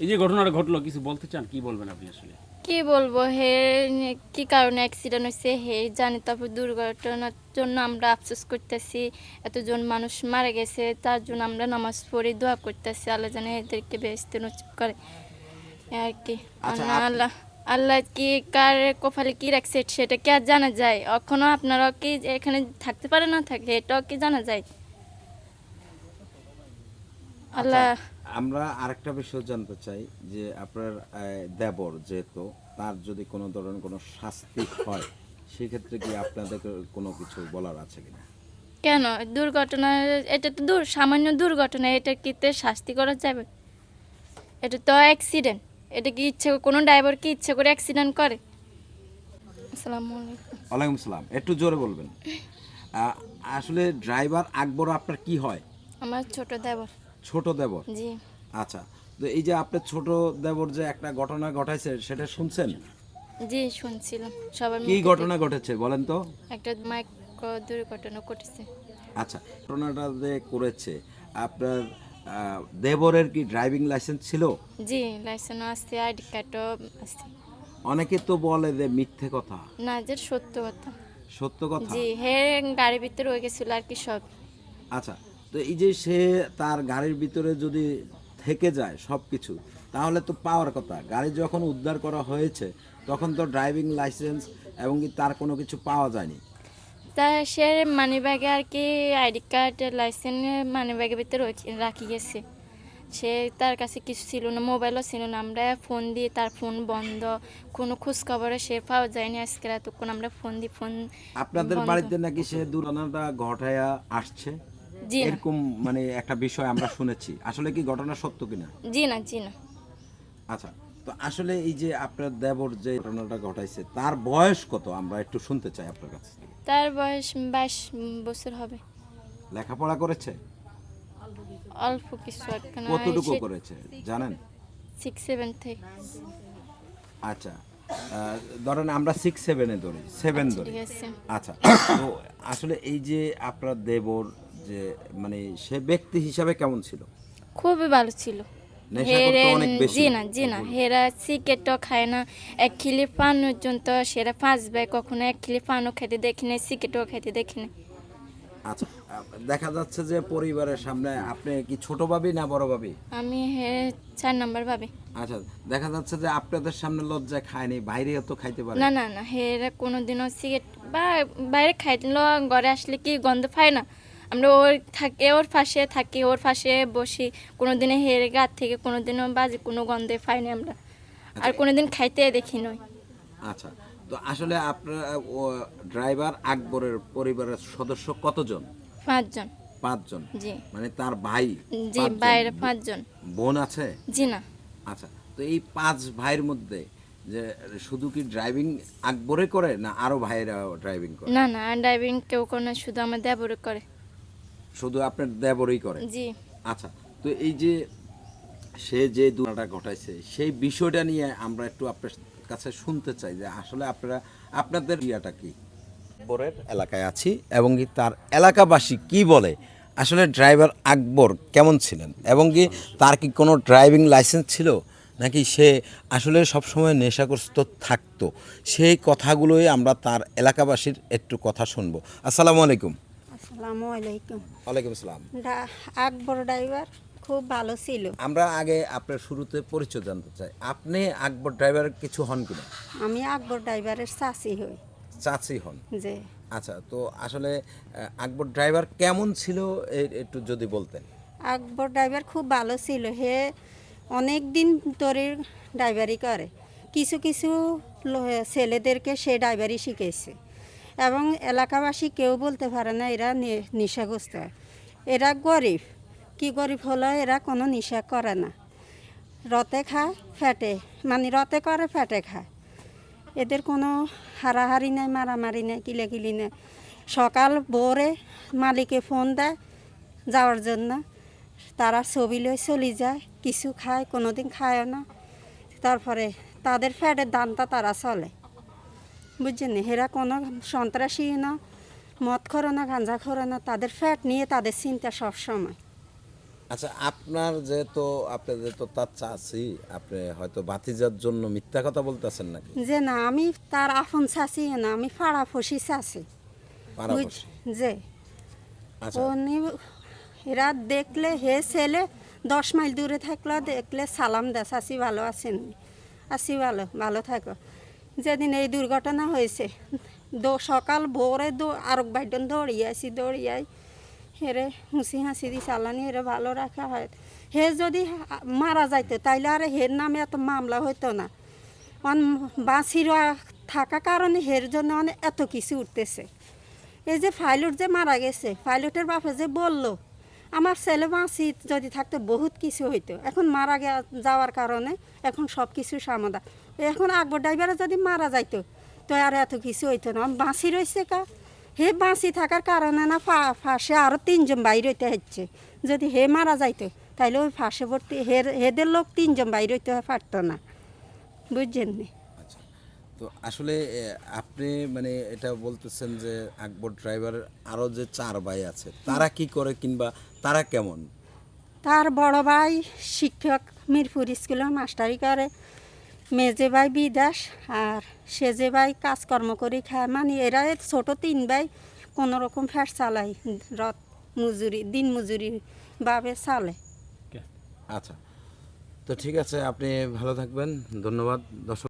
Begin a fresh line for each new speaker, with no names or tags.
এই যে ঘটনাটা ঘটলো, কিছু বলতে চান? কি বলবেন আপনি আসলে?
কি বলবো, হে কি কারণে অ্যাক্সিডেন্ট হয়েছে হে জানি। তারপর দুর্ঘটনার জন্য আমরা আফসোস করতেছি, এতজন মানুষ মারা গেছে, তার জন্য আমরা নামাজ পড়ে দোয়া করতেছি আল্লাহ জানে এদেরকে বেহেশতে নসিব করে আর কি।
আচ্ছা,
আল্লাহ আল্লাহ কি কার কপালে কি রাখছে সেটা কি আর জানা যায়? এখনো আপনারা কি এখানে থাকতে পারে না থাকে এটাও কি জানা যায়? আল্লাহ
আমরা আরেকটা বিষয় জানতে চাই যে আপনার দেবর যেহেতু, তার যদি কোনো ধরনের কোনো শাস্তি হয় সেক্ষেত্রে কি আপনাদের কোনো কিছু বলার আছে কিনা?
কেন দুর্ঘটনা, এটা তো সামান্য দুর্ঘটনা, এটা কিতে শাস্তি করা যাবে? এটা তো অ্যাক্সিডেন্ট। এটা কি ইচ্ছে কোনো ড্রাইভার কি ইচ্ছে করে অ্যাক্সিডেন্ট করে? আসসালামু আলাইকুম।
ওয়ালাইকুম সালাম, একটু জোরে বলবেন। আহ, আসলে ড্রাইভার আকবর আপনার কি হয়?
আমার ছোট দেবর।
ছোট দেবর?
জি
আচ্ছা, তো এই যে আপনার ছোট দেবর যে একটা ঘটনা ঘটাইছে সেটা শুনছেন?
জি শুনছিলাম সবার
কি
মুখে
ঘটনা ঘটেছে বলেন তো?
একটা মাইক দুর্ঘটনা ঘটেছে।
আচ্ছা, ঘটনাটা যে করেছে আপনার দেবরের কি ড্রাইভিং লাইসেন্স ছিল?
জি লাইসেন্স আছে, আইডি কার্ডও আছে।
অনেকে তো বলে যে মিথ্যে কথা।
না যে সত্য কথা।
সত্য কথা?
জি হে গাড়ির ভিতরে হয়ে গেছিল আর কি সব।
আচ্ছা, তো এই যে সে তার গাড়ির ভিতরে যদি থেকে যায় সব কিছু, তাহলে তো পাওয়ার কথা। গাড়ি যখন উদ্ধার করা হয়েছে তখন তো ড্রাইভিং লাইসেন্স এবং কি তার কোনো কিছু পাওয়া যায়নি।
তা সে মানি ব্যাগে আর কি আইডি কার্ড লাইসেন্স মানি ব্যাগের ভিতরে রাখি গেছে। সে তার কাছে কিছু ছিল না, মোবাইলও ছিল না। আমরা ফোন দিয়ে তার ফোন বন্ধ, কোনো খোঁজ খবরে সে পাওয়া যায়নি। আজকে এতক্ষণ আমরা ফোন দিই, ফোন
আপনাদের
বন্ধ।
বাড়িতে নাকি সে দুর্ঘটনাটা ঘটায়া আসছে,
জি না
এরকম মানে একটা বিষয় আমরা শুনেছি। আসলে কি ঘটনা সত্য কিনা?
জি না জি না।
আচ্ছা, তো আসলে এই যে আপনার দেবর যে ঘটনাটা ঘটাইছে তার বয়স কত আমরা একটু শুনতে চাই আপনার কাছে।
তার বয়স 22 বছর হবে।
লেখাপড়া করেছে?
অল্প কিছু একখানা
কতটুকু করেছে জানেন?
6-7 থেকে।
আচ্ছা, ধরেন আমরা 6-7-এ ধরি, 7 ধরি।
ঠিক আছে।
আচ্ছা, তো আসলে এই যে আপনার দেবর যে মানে সে ব্যক্তি হিসাবে কেমন ছিল?
খুবই ভালো ছিল।
নেশা করতো অনেক বেশি?
জি না হেরা সিগারেটও খায় না। এক খিলি পান পর্যন্ত সেরা 5 ভাই, কখনো এক খিলি পানও খেতে দেখি না, সিগারেটও খেতে দেখি না।
আচ্ছা, দেখা যাচ্ছে যে পরিবারের সামনে আপনি কি ছোট ভাবি না বড় ভাবি?
আমি 4 নাম্বার ভাবে।
আচ্ছা, দেখা যাচ্ছে যে আপনাদের সামনে লজ্জায় খায়নি, বাইরেও তো খাইতে পারে।
না না না হেরা কোনোদিনও সিগারেট বা বাইরে খাইলো, ঘরে আসলে কি গন্ধ পায় না? আমরা ওর পাশে থাকি, ওর পাশে বসি। কোনোদিনও হেরে গা থেকে কোনোদিনও বাজে কোনো গন্ধে পাইনি আমরা। আর কোনোদিন খাইতে দেখি নয়।
আচ্ছা, তো আসলে আপনার ড্রাইভার আকবরের পরিবারের সদস্য কতজন?
5 জন।
5 জন?
জি
মানে তার ভাই
জি
5 জন?
বাইরে 5 জন।
বোন আছে?
জি না
আচ্ছা, তো এই 5 ভাইয়ের মধ্যে যে শুধু কি ড্রাইভিং আকবরে করে না আরো ভাইয়েরা ড্রাইভিং করে?
না না ড্রাইভিং কেউ করে না, শুধু আমার দেবরে করে।
শুধু আপনার দেবরই করে?
জি
আচ্ছা, তো এই যে সে যে দুর্ঘটনাটা ঘটাইছে সেই বিষয়টা নিয়ে আমরা একটু আপনার কাছে শুনতে চাই যে আসলে আপনাদের ইয়াটা কি। আকবরের এলাকায় আছি এবং কি তার এলাকাবাসী কি বলে আসলে ড্রাইভার আকবর কেমন ছিলেন এবং কি তার কি কোনো ড্রাইভিং লাইসেন্স ছিল নাকি সে আসলে সবসময় নেশাগ্রস্ত থাকতো, সেই কথাগুলোই আমরা তার এলাকাবাসীর একটু কথা শুনবো। আসসালামু আলাইকুম।
আসসালামু আলাইকুম।
ওয়ালাইকুম আসসালাম।
আকবর ড্রাইভার খুব ভালো ছিল।
আমরা আগে আপনার শুরুতে পরিচয় জানতে চাই, আপনি আকবর ড্রাইভার কিছু হন কিনা?
আমি আকবর ড্রাইভারের চাচি হই।
চাচি হন?
যে
আচ্ছা, তো আসলে আকবর ড্রাইভার কেমন ছিল একটু যদি বলতেন।
আকবর ড্রাইভার খুব ভালো ছিল। হে অনেক দিন ধরে ড্রাইভারি করে। কিছু কিছু ছেলেদেরকে সে ড্রাইভারি শিখেছে এবং এলাকাবাসী কেউ বলতে পারে না এরা নেশাগ্রস্ত। এরা গরিব, কি গরিব হলো এরা কোনো নেশা করে না। রতে খায় ফ্যাটে, মানে রতে করে ফ্যাটে খায়। এদের কোনো হারাহারি নেই, মারামারি নেই, কিলাকিলি নেই। সকাল ভোরে মালিকে ফোন দেয় যাওয়ার জন্য, তারা ছবি লয়ে চলে যায়। কিছু খায়, কোনো দিন খায়ও না। তারপরে তাদের ফ্যাটের দামটা তারা চলে, বুঝছেন? এরা কোনো সন্ত্রাসী না, মদ খোরে না, গাঁজা খোরে না। তাদের ফ্যাট নিয়ে তাদের চিন্তা সবসময়।
আচ্ছা, আপনাদের তো তার চাচি, আপনি হয়তো ভাতিজার জন্য মিথ্যা কথা বলতেছেন নাকি?
যে না আমি তার আপন চাচি না, আমি ফাড়াফসি চাচি।
পাড়াপড়শি।
যে
আচ্ছা,
উনি এরা দেখলে হে ছেলে 10 মাইল দূরে থাকলেও দেখলে সালাম দেয়, চাচি ভালো আছেন? আছি ভালো, ভালো থাকো। যেদিন এই দুর্ঘটনা হয়েছে সকাল ভোরে আরেক বাইডন দৌড়িয়াই হেরে হুঁসি হাসি দি চালানি হেরে ভালো রাখা হয়। হে যদি মারা যাইতো তাইলে আর হের নামে এত মামলা হইতো না। বাঁচির থাকা কারণে হের জন্য অনেক এত কিছু উঠতেছে। এই যে পাইলট যে মারা গেছে, পাইলটের বাপে যে বলল আমার ছেলে বাঁচি যদি থাকতো বহুত কিছু হইতো, এখন মারা যাওয়ার কারণে এখন সব কিছু সমাধান। এখন আকবর ড্রাইভারে যদি মারা যাইতো তো আর এত কিছু হইতো না। বাঁচি রয়েছে কা হে বাঁচি থাকার কারণে না ফাঁসে আরও 3 জন বাইর হইতে হচ্ছে। যদি হে মারা যাইতো তাইলে ওই ফাঁসে ভর্তি হেদের লোক 3 জন বাইর হইতে পারতো না, বুঝছেন নি?
আচ্ছা। তো আসলে আপনি মানে এটা বলতেছেন যে আকবর ড্রাইভারের আরও যে 4 ভাই আছে তারা কি করে, কিংবা তারা কেমন?
তার বড় ভাই শিক্ষক, মিরপুর স্কুলে মাস্টারি করে। মেজে ভাই বিদেশ, আর সেজে ভাই কাজকর্ম করে খায়। মানে এরা ছোট 3 ভাই কোনো রকম ফ্যাট চালায়, রথ মজুরি দিন মজুরি ভাবে চালে।
আচ্ছা, তো ঠিক আছে, আপনি ভালো থাকবেন। ধন্যবাদ দর্শক।